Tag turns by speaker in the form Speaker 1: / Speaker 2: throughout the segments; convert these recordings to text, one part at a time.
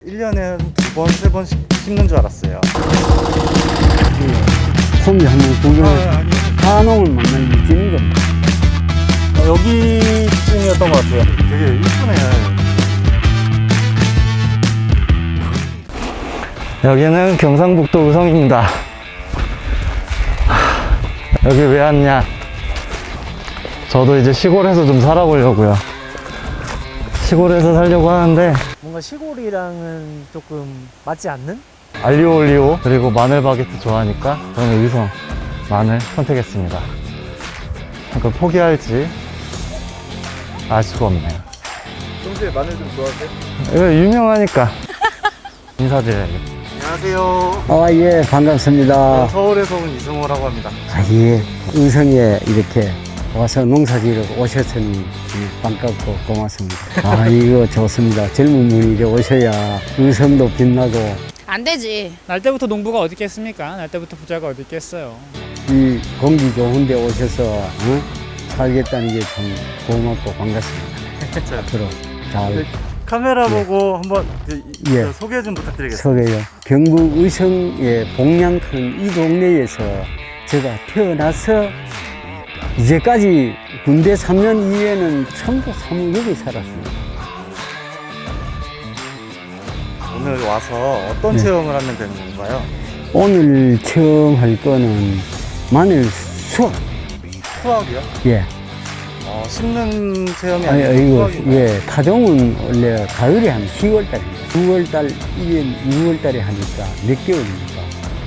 Speaker 1: 1년에 2번, 3번씩 심는 줄 알았어요.
Speaker 2: 홈이 한번 구경을
Speaker 1: 아니.
Speaker 2: 한옥을 만날 느끼는 겁니다.
Speaker 1: 여기쯤이었던 것 같아요. 되게 이쁘네요. 여기는 경상북도 의성입니다. 여기 왜 왔냐? 저도 이제 시골에서 좀 살아보려고요. 시골에서 살려고 하는데
Speaker 3: 뭔가 시골이랑은 조금 맞지 않는?
Speaker 1: 알리오 올리오 그리고 마늘 바게트 좋아하니까 저는 의성 마늘 선택했습니다. 그러니까 포기할지 알 수가 없네요.
Speaker 4: 평소에 마늘 좀 좋아하세요?
Speaker 1: 이거 유명하니까 인사드려야겠다. 안녕하세요.
Speaker 2: 아, 예, 반갑습니다.
Speaker 1: 서울에서 온 이승호라고 합니다.
Speaker 2: 아, 예, 의성에 이렇게 와서 농사지러 오셨으니 반갑고 고맙습니다. 아, 이거 좋습니다. 젊은 분이 이제 오셔야 의성도 빛나고
Speaker 5: 안 되지.
Speaker 3: 날 때부터 농부가 어디 있겠습니까? 날 때부터 부자가 어디 있겠어요.
Speaker 2: 이 공기 좋은 데 오셔서 살겠다는 게 참 고맙고 반갑습니다. 앞으로 잘
Speaker 1: 카메라 보고 한번
Speaker 2: 예.
Speaker 1: 소개 좀 부탁드리겠습니다.
Speaker 2: 소개요. 경북 의성의 복량큰 이 동네에서 제가 태어나서 이제까지 군대 3년 이후에는 전부 사무역에 살았습니다.
Speaker 1: 오늘 와서 어떤
Speaker 2: 네.
Speaker 1: 체험을 하면 되는 건가요?
Speaker 2: 오늘 처음 할 거는 마늘 수확.
Speaker 1: 수학이요?
Speaker 2: 예.
Speaker 1: 심는 체험이
Speaker 2: 아니,
Speaker 1: 아니고
Speaker 2: 이거,
Speaker 1: 수학인가요?
Speaker 2: 예. 타종은 원래 가을에 한 10월달입니다. 9월달, 1년 6월달에 하니까 몇 개월입니까?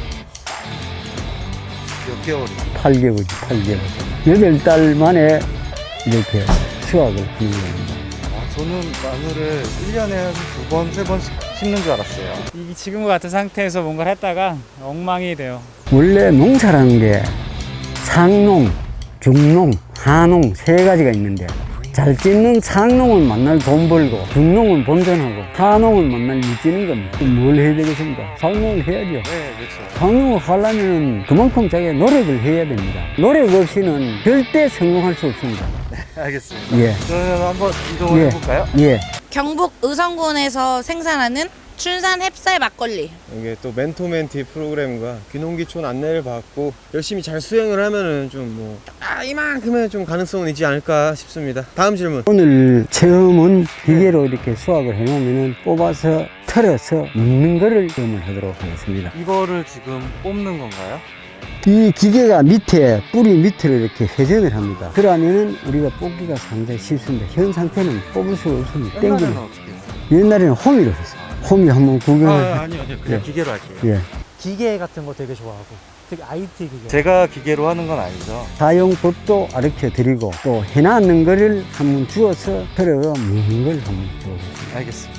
Speaker 1: 몇 개월이?
Speaker 2: 8개월이, 8개월. 8달 만에 이렇게 수확을 하는 겁니다.
Speaker 1: 저는 마늘을 1년에 한 2번, 3번씩 심는 줄 알았어요.
Speaker 3: 이 지금과 같은 상태에서 뭔가를 했다가 엉망이 돼요.
Speaker 2: 원래 농사라는 게 상농, 중농, 하농 세 가지가 있는데 잘 짓는 상농은 만날 돈 벌고 중농은 본전하고 하농은 만날 미치는 겁니다. 뭘 해야 되겠습니까? 상농을 해야죠.
Speaker 1: 네, 그렇죠.
Speaker 2: 상농을 하려면 그만큼 자기가 노력을 해야 됩니다. 노력 없이는 절대 성공할 수 없습니다.
Speaker 1: 알겠습니다.
Speaker 2: 예,
Speaker 1: 그러면 한번 이동을
Speaker 2: 예.
Speaker 1: 해볼까요?
Speaker 2: 예.
Speaker 5: 경북 의성군에서 생산하는 춘산 햅쌀 막걸리.
Speaker 4: 이게 또 멘토멘티 프로그램과 귀농귀촌 안내를 받고 열심히 잘 수행을 하면은 좀 이만큼은 좀 가능성은 있지 않을까 싶습니다. 다음 질문.
Speaker 2: 오늘 체험은 기계로 이렇게 수확을 해놓으면 뽑아서 털어서 먹는 거를 체험을 하도록 하겠습니다.
Speaker 1: 이거를 지금 뽑는 건가요?
Speaker 2: 이 기계가 밑에 뿌리 밑으로 이렇게 회전을 합니다. 그러면은 우리가 뽑기가 상당히 쉽습니다. 현 상태는 뽑을 수가 없습니다.
Speaker 1: 옛날에는
Speaker 2: 땡기는.
Speaker 1: 어떻게 했어요?
Speaker 2: 옛날에는 홈이로 했어요. 홈이 한번 구경을.
Speaker 1: 아니요. 그냥
Speaker 2: 예.
Speaker 1: 기계로 할게요.
Speaker 2: 예.
Speaker 3: 기계 같은 거 되게 좋아하고 특히 IT 기계.
Speaker 1: 제가 기계로 하는 건 아니죠.
Speaker 2: 사용법도 가르쳐 드리고 또 해놨는 거를 한번 주워서 털어 먹는 걸 한번 줘보겠습니다.
Speaker 1: 알겠습니다.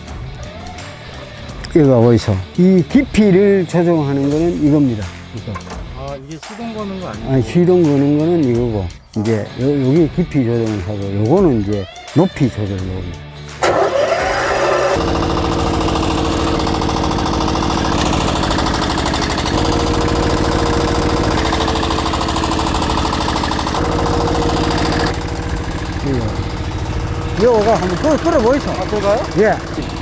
Speaker 2: 이거 보이소. 이 깊이를 조정하는 거는 이겁니다. 이거.
Speaker 1: 이게 시동 거는 거 아니에요?
Speaker 2: 아니, 시동 거는 거는 이거고, 이제 여기 깊이 조정을 하고, 요거는 이제 높이 조절을 합니다. 요거가 한번 끌어보이소.
Speaker 1: 제가요?
Speaker 2: 예,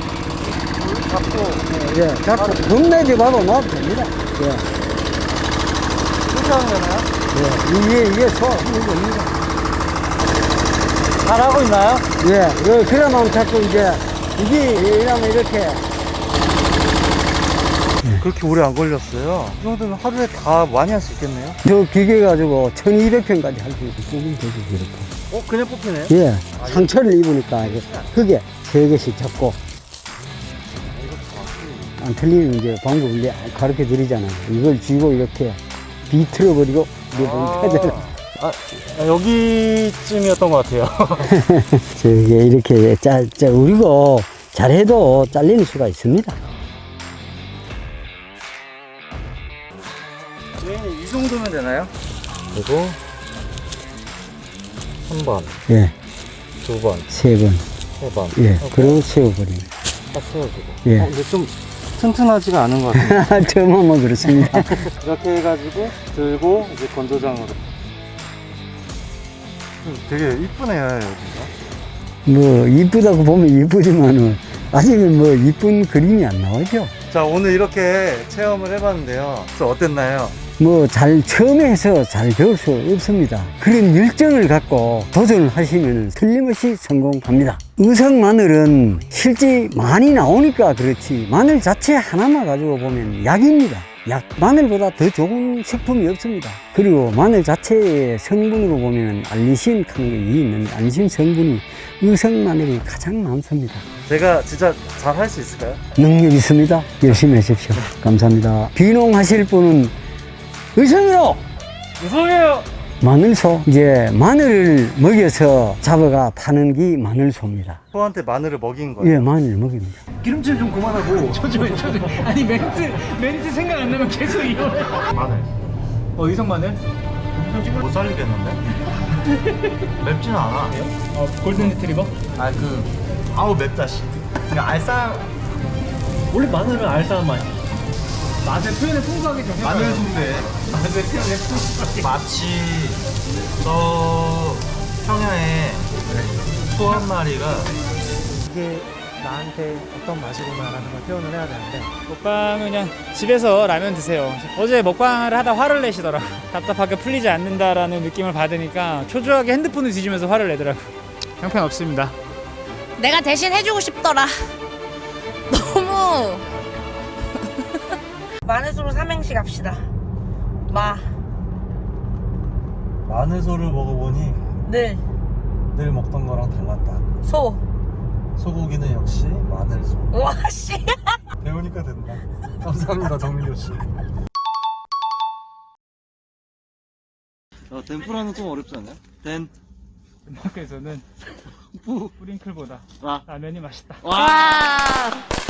Speaker 1: 잡고
Speaker 2: 예, 자꾸 겁내지 말고 놔도 됩니다. 예,
Speaker 1: 이렇게 하면 되나요?
Speaker 2: 예, 이게 소화하는 겁니다.
Speaker 3: 잘하고 있나요?
Speaker 2: 예, 그러면 자꾸 이제, 이게 이러면 이렇게.
Speaker 1: 그렇게 오래 안 걸렸어요. 이 정도면 하루에 다 많이 할 수 있겠네요.
Speaker 2: 저 기계 가지고 1200평까지 할 수 있고, 뽑으면 되지, 이렇게.
Speaker 1: 그냥 뽑히네요?
Speaker 2: 예, 상처를 입으니까 흙에 3개씩 잡고. 안 틀리는 이제 방법을 가르쳐 드리잖아요. 이걸 쥐고 이렇게 비틀어버리고, 이게 보니까
Speaker 1: 여기쯤이었던 것 같아요.
Speaker 2: 저게 이렇게 우리고 잘해도 잘리는 수가 있습니다.
Speaker 1: 이 정도면 되나요? 그리고 3번,
Speaker 2: 예,
Speaker 1: 2번,
Speaker 2: 3번.
Speaker 1: 3번.
Speaker 2: 예, 그리고 세워버립니다.
Speaker 1: 딱 세워주고.
Speaker 2: 예.
Speaker 1: 근데 좀 튼튼하지가 않은 것 같아요.
Speaker 2: 처음 하면 그렇습니다.
Speaker 1: 이렇게 해가지고 들고 이제 건조장으로. 되게 이쁘네요, 여기가.
Speaker 2: 뭐, 이쁘다고 보면 이쁘지만은, 아직은 뭐 이쁜 그림이 안 나오죠.
Speaker 1: 자, 오늘 이렇게 체험을 해봤는데요. 좀 어땠나요?
Speaker 2: 뭐 처음에 해서 잘 배울 수 없습니다. 그런 열정을 갖고 도전을 하시면 틀림없이 성공합니다. 의성 마늘은 실제 많이 나오니까 그렇지 마늘 자체 하나만 가지고 보면 약입니다. 약. 마늘보다 더 좋은 식품이 없습니다. 그리고 마늘 자체의 성분으로 보면 알리신 하는 게 있는데 알리신 성분이 의성 마늘이 가장 많습니다.
Speaker 1: 제가 진짜 잘 할 수 있을까요?
Speaker 2: 능력 있습니다. 열심히 하십시오. 감사합니다. 비농하실 분은 의성으로
Speaker 3: 무서워요.
Speaker 2: 마늘소. 이제 마늘을 먹여서 잡아가 파는 게 마늘소입니다.
Speaker 1: 소한테 마늘을 먹인 거예요.
Speaker 2: 예, 마늘 먹입니다.
Speaker 1: 기름칠 좀 그만하고.
Speaker 3: 아니 멘트 생각 안 나면 계속 이거.
Speaker 1: 마늘.
Speaker 3: 의성 마늘?
Speaker 1: 못 살리겠는데? 맵지는 않아.
Speaker 3: 골든 리트리버?
Speaker 1: 아우 맵다 씨. 그냥 알싸.
Speaker 3: 원래 마늘은 알싸한 맛이. 맛의 표현을 풍부하게 좀 해봐요.
Speaker 4: 마늘 순대.
Speaker 3: 맛의 표현을 풍부하게.
Speaker 6: 마치 저 평야에 소 한 마리가
Speaker 7: 이게 나한테 어떤 맛이구나라는 걸 표현을 해야 되는데
Speaker 3: 먹방은 그냥 집에서 라면 드세요. 어제 먹방을 하다 화를 내시더라고. 답답하게 풀리지 않는다라는 느낌을 받으니까 초조하게 핸드폰을 뒤지면서 화를 내더라고. 형편없습니다.
Speaker 5: 내가 대신 해주고 싶더라. 너무. 마늘소로 삼행시 갑시다.
Speaker 1: 마늘소를 먹어보니
Speaker 5: 늘,
Speaker 1: 늘 먹던 거랑 달랐다.
Speaker 5: 소.
Speaker 1: 소고기는 역시 마늘소.
Speaker 5: 와, 씨.
Speaker 1: 배우니까 된다. 감사합니다, 정민교 씨. 덴푸라는 좀 어렵지 않나요?
Speaker 3: 덴마크에서는 뿌링클보다 라면이 맛있다.
Speaker 5: 와.